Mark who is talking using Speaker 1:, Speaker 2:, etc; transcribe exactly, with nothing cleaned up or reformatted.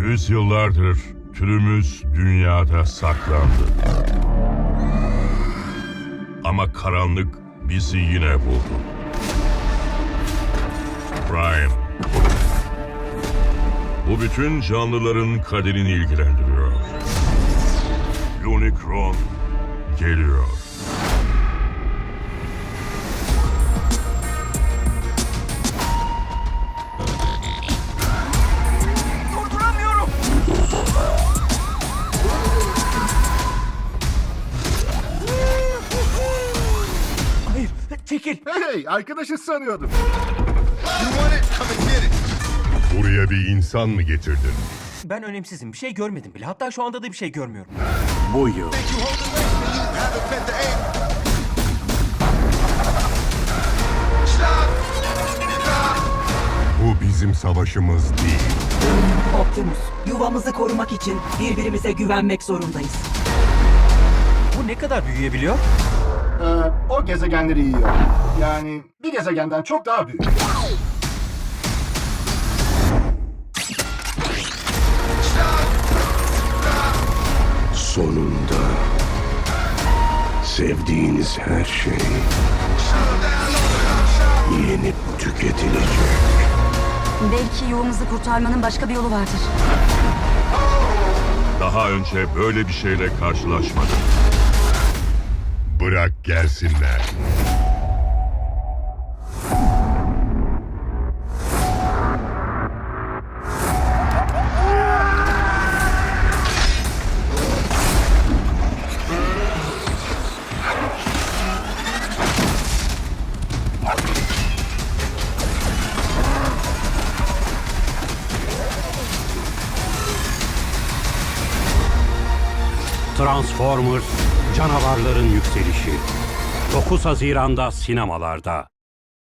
Speaker 1: Yüzyıllardır türümüz dünyada saklandı. Ama karanlık bizi yine buldu. Prime. Bu bütün canlıların kaderini ilgilendiriyor. Unicron geliyor.
Speaker 2: Durduramıyorum. Hayır, çekil.
Speaker 3: Hey, arkadaşı sanıyordum.
Speaker 1: Buraya bir insan mı getirdin?
Speaker 2: Ben önemsizim. Bir şey görmedim bile. Hatta şu anda da bir şey görmüyorum.
Speaker 4: Bu yıl
Speaker 1: Bu bizim savaşımız değil.
Speaker 5: Optimus, yuvamızı korumak için birbirimize güvenmek zorundayız.
Speaker 2: Bu ne kadar büyüyebiliyor?
Speaker 3: Ee, o gezegenleri yiyor. Yani bir gezegenden çok daha büyük.
Speaker 6: Sonunda sevdiğiniz her şey yenip tüketilecek.
Speaker 7: Belki yuvamızı kurtarmanın başka bir yolu vardır.
Speaker 1: Daha önce böyle bir şeyle karşılaşmadım. Bırak gelsinler.
Speaker 4: Transformers Canavarların Yükselişi dokuz Haziran'da sinemalarda.